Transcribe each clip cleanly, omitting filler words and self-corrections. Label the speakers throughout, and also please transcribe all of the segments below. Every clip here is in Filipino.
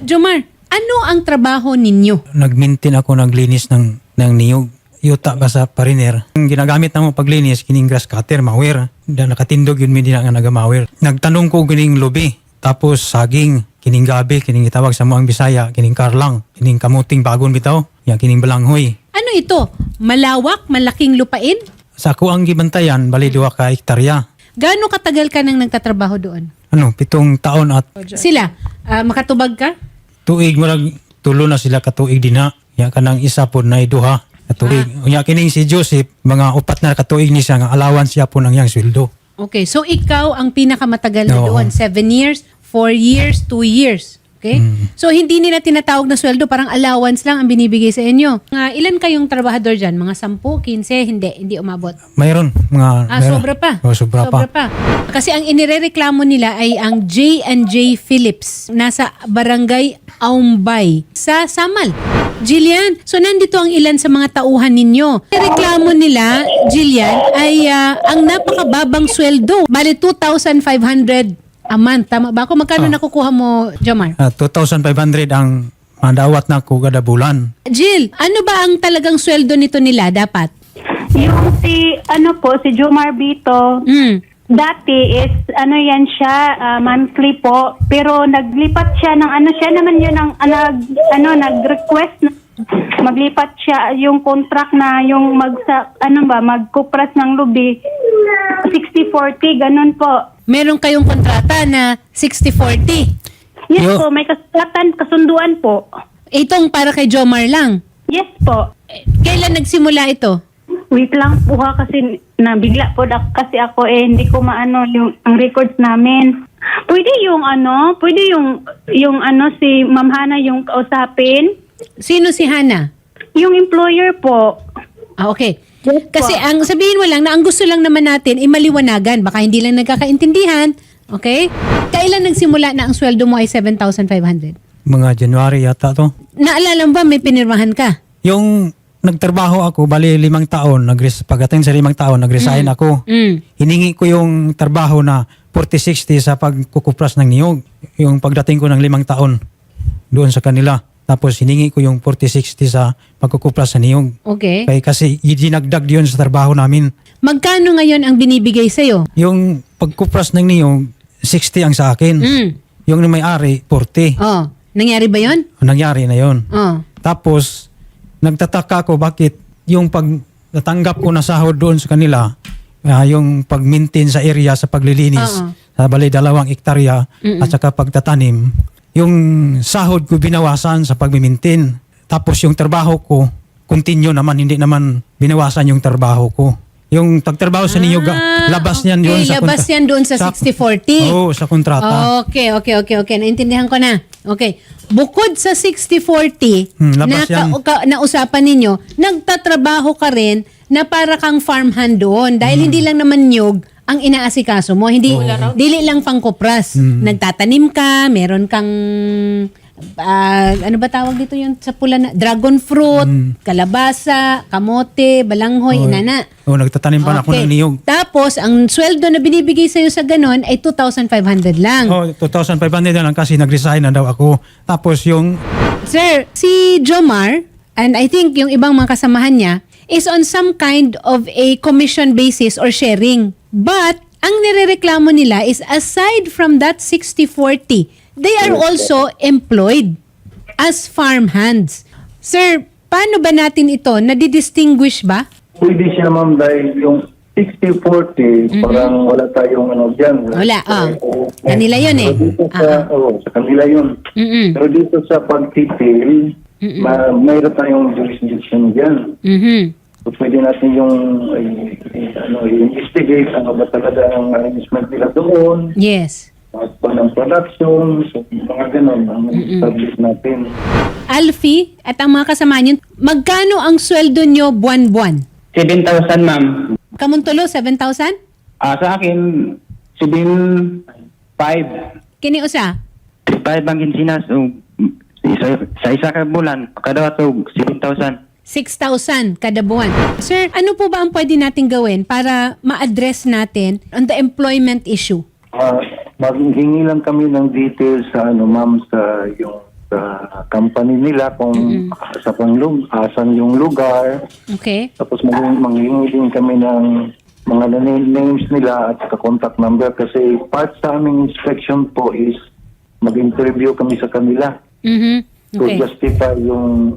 Speaker 1: Jomar, ano ang trabaho ninyo?
Speaker 2: Nag-maintain ako, naglinis ng niyog. Yuta ba sa pariner. Ang ginagamit na mo paglinis, kining grass cutter, mawir. Nakatindog yun, hindi na nga nagamawir. Nagtanong ko kining lubi. Tapos saging, kining gabi, kining itawag sa muang Bisaya, kining karlang, kining kamuting bagon bitaw, yan kining balanghoy.
Speaker 1: Ano ito? Malawak, malaking lupain?
Speaker 2: Sa ako ang gibantayan, bali 2 ka hektarya.
Speaker 1: Gaano katagal ka nang nagtatrabaho doon?
Speaker 2: 7 taon at
Speaker 1: Sila, makatubag ka?
Speaker 2: tuig marag tulo na sila katuig dinha. Ya kanang isa po na 2 katuig. Unya kining si Joseph mga 4 na katuig ni siya nga allowance siya po nang yang sweldo.
Speaker 1: Okay, so ikaw ang pinakamatagal na
Speaker 2: Oo.
Speaker 1: doon. 7 years, 4 years, 2 years. Okay? So hindi nila tinatawag na sweldo, parang allowance lang ang binibigay sa inyo. Ilan kayong trabahador dyan? Mga 10, 15? Hindi umabot.
Speaker 2: Mayroon mga mayroon.
Speaker 1: Sobra pa.
Speaker 2: Oh, sobra pa.
Speaker 1: Kasi ang inirereklamo nila ay ang J&J Phillips. Nasa Barangay Aumbay sa Samal. Jillian, so nandito ang ilan sa mga tauhan ninyo. Reklamo nila, Jillian, ay ang napakababang sweldo. Bale 2,500 a month. Tama ba ako? Magkano nakukuha mo, Jomar?
Speaker 2: 2,500 ang madawat na ko kada bulan.
Speaker 1: Jill, ano ba ang talagang sweldo nito nila dapat?
Speaker 3: Yung si Jomar Bito, dati is, yan siya, monthly po, pero naglipat siya ng, siya naman yun ang, nag-request na maglipat siya yung contract na yung magkupras ng lubi, 60-40, ganun po.
Speaker 1: Meron kayong kontrata na 60-40.
Speaker 3: Yes
Speaker 2: Yo.
Speaker 3: po, may kasunduan po.
Speaker 1: Itong para kay Jomar lang.
Speaker 3: Yes po.
Speaker 1: Kailan nagsimula ito?
Speaker 3: Wait lang po kasi nabigla po kasi ako hindi ko maano yung ang records namin. Pwede yung si Ma'am Hana yung kausapin?
Speaker 1: Sino si Hana?
Speaker 3: Yung employer po.
Speaker 1: Okay.
Speaker 3: Yes po.
Speaker 1: Kasi ang sabihin mo lang na ang gusto lang naman natin ay maliwanagan. Baka hindi lang nagkakaintindihan. Okay? Kailan nagsimula na ang sweldo mo ay 7,500?
Speaker 2: Mga January yata to.
Speaker 1: Naalala mo ba may pinirmahan ka?
Speaker 2: Yung nagtrabaho ako, bali 5 taon, pagdating sa 5 taon, nag-resign ako. Hiningi ko yung trabaho na 40-60 sa pagkukupras ng niyog. Yung pagdating ko ng 5 taon, doon sa kanila. Tapos hiningi ko yung 40-60 sa pagkukupras sa niyog.
Speaker 1: Okay.
Speaker 2: Kaya kasi dinagdag yun sa trabaho namin.
Speaker 1: Magkano ngayon ang binibigay sa'yo?
Speaker 2: Yung pagkupras ng niyog, 60 ang sa akin. Yung may-ari, 40.
Speaker 1: Oh, nangyari ba yon?
Speaker 2: Nangyari na yun.
Speaker 1: Oh.
Speaker 2: Tapos, nagtataka ko bakit yung pag natanggap ko na sahod doon sa kanila, yung pag-maintain sa area sa paglilinis, sa bali 2 hektarya at saka pagtatanim, yung sahod ko binawasan sa pag-maintain. Tapos yung trabaho ko, continue naman, hindi naman binawasan yung trabaho ko. Yung pagtrabaho sa ninyo, labas niyan yun sa
Speaker 1: labas yan doon sa 60-40.
Speaker 2: Oo, sa kontrata.
Speaker 1: Okay. Naintindihan ko na. Okay. Bukod sa 60-40 na
Speaker 2: labas yan.
Speaker 1: nausapan ninyo, nagtatrabaho ka rin na para kang farmhand doon. Dahil hindi lang naman nyog ang inaasikaso mo. Hindi, dili lang pangkupras. Nagtatanim ka, meron kang, ano ba tawag dito yun sa pula na? Dragon fruit, kalabasa, kamote, balanghoy, inana.
Speaker 2: Nagtatanim pa na ako ng niyog.
Speaker 1: Tapos, ang sweldo na binibigay sa'yo sa ganon ay 2,500 lang.
Speaker 2: 2,500 na lang kasi nag-resign na daw ako. Tapos yung
Speaker 1: Sir, si Jomar, and I think yung ibang mga kasamahan niya, is on some kind of a commission basis or sharing. But, ang nirereklamo nila is aside from that 60-40, they are also employed as farmhands. Sir, paano ba natin ito? Nadidistinguish ba?
Speaker 4: Pwede siya ma'am dahil yung 60-40, parang wala tayong dyan.
Speaker 1: Wala, kanila yun eh.
Speaker 4: Pero dito sa kanila yun. Pero dito sa pagtitil, mayroon tayong jurisdiction dyan. So pwede natin yung investigate ano ba talaga ang arrangement nila doon.
Speaker 1: Yes.
Speaker 4: At ng production, so mga ganun ang establish natin.
Speaker 1: Alfie at ang mga kasama niyo, magkano ang sweldo nyo buwan-buwan?
Speaker 5: 7,000 ma'am.
Speaker 1: Kamuntulo, 7,000?
Speaker 5: Sa akin, 7,500.
Speaker 1: Kini usa?
Speaker 5: 5 ang kinsinas. So, sa isa ka bulan, kada to 7,000.
Speaker 1: 6,000 kada buwan. Sir, ano po ba ang pwede natin gawin para ma-address natin on the employment issue?
Speaker 4: Maghingi lang kami ng details sa ma'am sa yung company nila kung asan yung lugar.
Speaker 1: Okay.
Speaker 4: Tapos manghingi din kami ng mga names nila at contact number kasi part sa aming inspection po is mag-interview kami sa kanila
Speaker 1: Mhm.
Speaker 4: to
Speaker 1: Okay.
Speaker 4: justify yung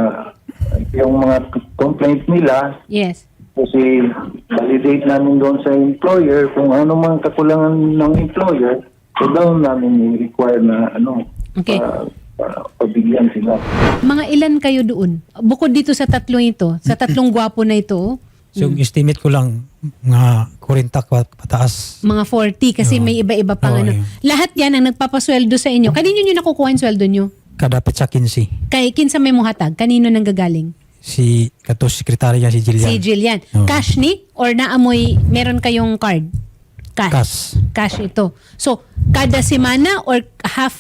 Speaker 4: mga complaint nila.
Speaker 1: Yes.
Speaker 4: Kasi validate namin doon sa employer kung ano mang kakulangan ng employer, so doon namin i-require na
Speaker 1: Okay.
Speaker 4: para pabigyan sila.
Speaker 1: Mga ilan kayo doon? Bukod dito sa tatlong ito, sa tatlong gwapo na ito,
Speaker 2: So yung estimate ko lang mga 40 pataas.
Speaker 1: mga 40 kasi
Speaker 2: Oo.
Speaker 1: may iba-iba pang
Speaker 2: Oo,
Speaker 1: ano.
Speaker 2: yun.
Speaker 1: Lahat yan ang nagpapasweldo sa inyo. Kanino nyo nakukuha yung sweldo nyo?
Speaker 2: Kadapit sa 15.
Speaker 1: Kay kinsa may muhatag? Kanino nang gagaling?
Speaker 2: Si katos sekretarya si Jillian.
Speaker 1: Si Jillian.
Speaker 2: Oo.
Speaker 1: Cash ni? Or naamoy, meron kayong card?
Speaker 2: Cash.
Speaker 1: Cash ito. So, kada semana or half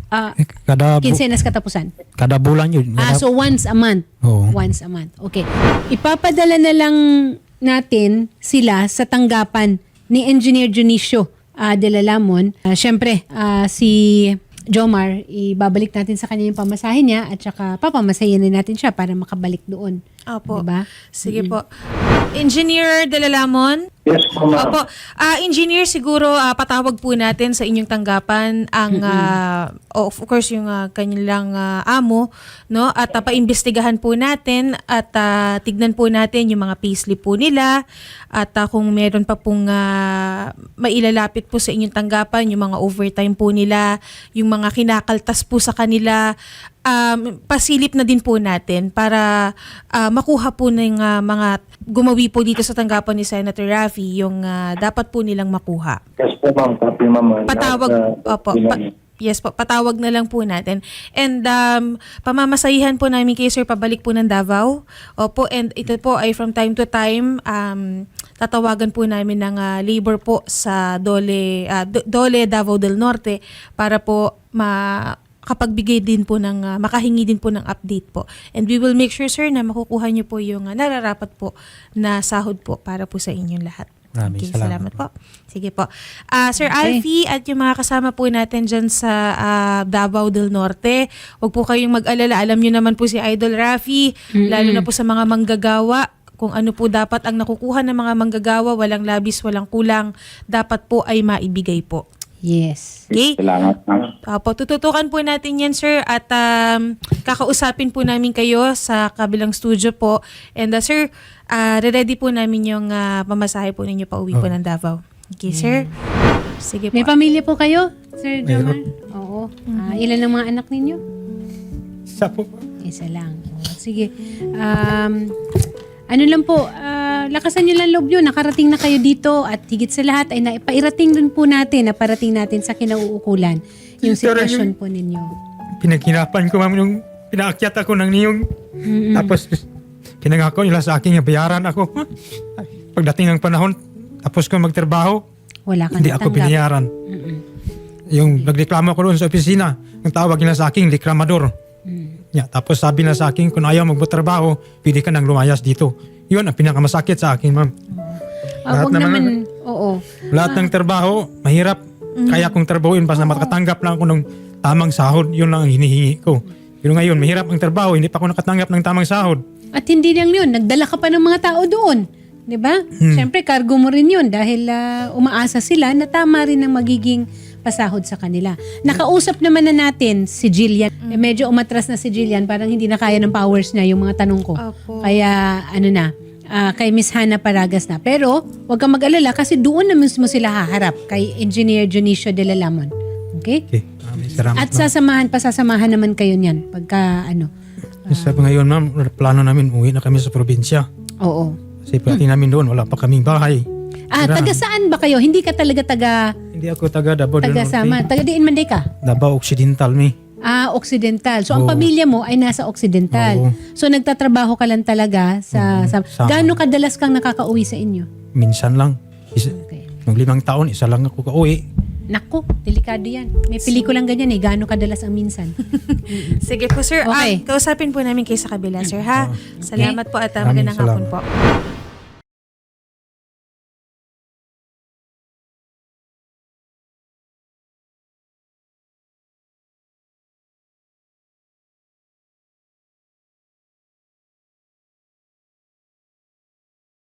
Speaker 1: kinsenas katapusan?
Speaker 2: Kada bulan yun.
Speaker 1: So once a month.
Speaker 2: Oo.
Speaker 1: Once a month. Okay. Ipapadala na lang natin sila sa tanggapan ni Engineer Junicio de la Lamon. Siyempre, si Jomar, ibabalik natin sa kanya yung pamasahe niya at saka papamasahin na natin siya para makabalik doon.
Speaker 6: Opo.
Speaker 1: Diba?
Speaker 6: Sige po. Engineer De La Lamon?
Speaker 4: Yes po, ma'am.
Speaker 6: Opo. Engineer, siguro patawag po natin sa inyong tanggapan ang, of course, yung kanilang amo, no? At paimbestigahan po natin at tignan po natin yung mga payslip po nila at kung meron pa pong mailalapit po sa inyong tanggapan, yung mga overtime po nila, yung mga kinakaltas po sa kanila, pasilip na din po natin para makuha po ng mga gumawi po dito sa tanggapan ni Senator Raffy yung dapat po nilang makuha.
Speaker 4: Yes po, ma'am. Copy, ma'am.
Speaker 6: Patawag, opo, yes po, patawag na lang po natin. And pamamasahihan po namin kay Sir pabalik po ng Davao. Opo, and ito po ay from time to time, tatawagan po namin ng labor po sa Dole Davao del Norte para po makapagbigay din po ng, makahingi din po ng update po. And we will make sure, sir, na makukuha niyo po yung nararapat po na sahod po para po sa inyong lahat.
Speaker 2: Maraming
Speaker 6: Okay,
Speaker 2: salamat
Speaker 6: salamat po. Sige po. Sir Alfie at yung mga kasama po natin dyan sa Davao del Norte, huwag po kayong mag-alala. Alam nyo naman po si Idol Raffy, lalo na po sa mga manggagawa, kung ano po dapat ang nakukuha ng mga manggagawa, walang labis, walang kulang, dapat po ay maibigay po.
Speaker 1: Yes.
Speaker 6: Okay?
Speaker 4: Salamat, ma'am.
Speaker 6: Tututukan po natin yan, sir, at kakausapin po namin kayo sa kabilang studio po. And sir, ready po namin yung pamasahe po ninyo pa uwi po ng Davao. Okay, sir? Sige po.
Speaker 1: May pamilya po kayo, Sir Jomar?
Speaker 2: Mayroon.
Speaker 1: Oo. Ilan ang mga anak ninyo?
Speaker 2: Isa po.
Speaker 1: Isa lang. Sige. Ano lang po, lakasan nyo lang loob nyo. Nakarating na kayo dito at higit sa lahat ay naipairating din po natin, naparating natin sa kinauukulan yung
Speaker 2: Pero
Speaker 1: sitwasyon po ninyo.
Speaker 2: Pinaghirapan ko, ma'am, yung pinaakyat ako ng niyong. Tapos pinangako nila sa akin na bayaran ako. Pagdating ng panahon, tapos ko magtrabaho,
Speaker 1: Wala kang
Speaker 2: hindi ako
Speaker 1: natanggap.
Speaker 2: binayaran. Yung nagreklamo ko doon sa opisina, ang tawag nila sa akin, reklamador. Yeah, tapos sabi na sa akin, kung ayaw magtrabaho, pwede ka nang lumayas dito. Yun ang pinakamasakit sa akin, ma'am.
Speaker 1: Wag naman, oo.
Speaker 2: Lahat ng trabaho, mahirap. Kaya kong trabahuin basta makatanggap lang ako ng tamang sahod. Yun lang ang hinihingi ko. Pero ngayon, mahirap ang trabaho, hindi pa ako nakatanggap ng tamang sahod.
Speaker 1: At hindi lang yun, nagdala ka pa ng mga tao doon. 'Di ba? Siyempre, cargo mo rin yun dahil umaasa sila na tama rin ang magiging pasahod sa kanila. Nakausap naman na natin si Jillian. Medyo umatras na si Jillian, parang hindi na kaya ng powers niya yung mga tanong ko.
Speaker 6: Opo.
Speaker 1: Kaya kay Miss Hannah Paragas na. Pero huwag kang mag-alala kasi doon na mismo sila haharap kay Engineer Junicio de la Lamon. Okay?
Speaker 2: Okay. Salamat,
Speaker 1: At
Speaker 2: ma'am.
Speaker 1: pasasamahan naman kayo niyan pagka
Speaker 2: Sabi ngayon, ma'am, plano namin uwi na kami sa probinsya.
Speaker 1: Oo.
Speaker 2: Kasi pati namin doon, wala pa kaming bahay.
Speaker 1: Taga saan ba kayo? Hindi ka talaga taga
Speaker 2: Hindi ako taga Davao del
Speaker 1: sama.
Speaker 2: Norte.
Speaker 1: Taga diin man di ka?
Speaker 2: Davao Occidental, mi.
Speaker 1: Occidental. So, ang
Speaker 2: Oo.
Speaker 1: pamilya mo ay nasa Occidental.
Speaker 2: Oo.
Speaker 1: So, nagtatrabaho ka lang talaga sa...
Speaker 2: Sama.
Speaker 1: Gaano kadalas kang nakakauwi sa inyo?
Speaker 2: Minsan lang.
Speaker 1: Okay.
Speaker 2: Nung 5 taon, isa lang ako kauwi.
Speaker 1: Naku, delikado yan. May pelikulang ganyan eh. Gaano kadalas ang minsan?
Speaker 6: Sige po, sir.
Speaker 1: Okay.
Speaker 6: Kausapin po namin kayo sa kabila, sir, ha? Salamat po at magandang
Speaker 2: Maraming
Speaker 6: hapon po.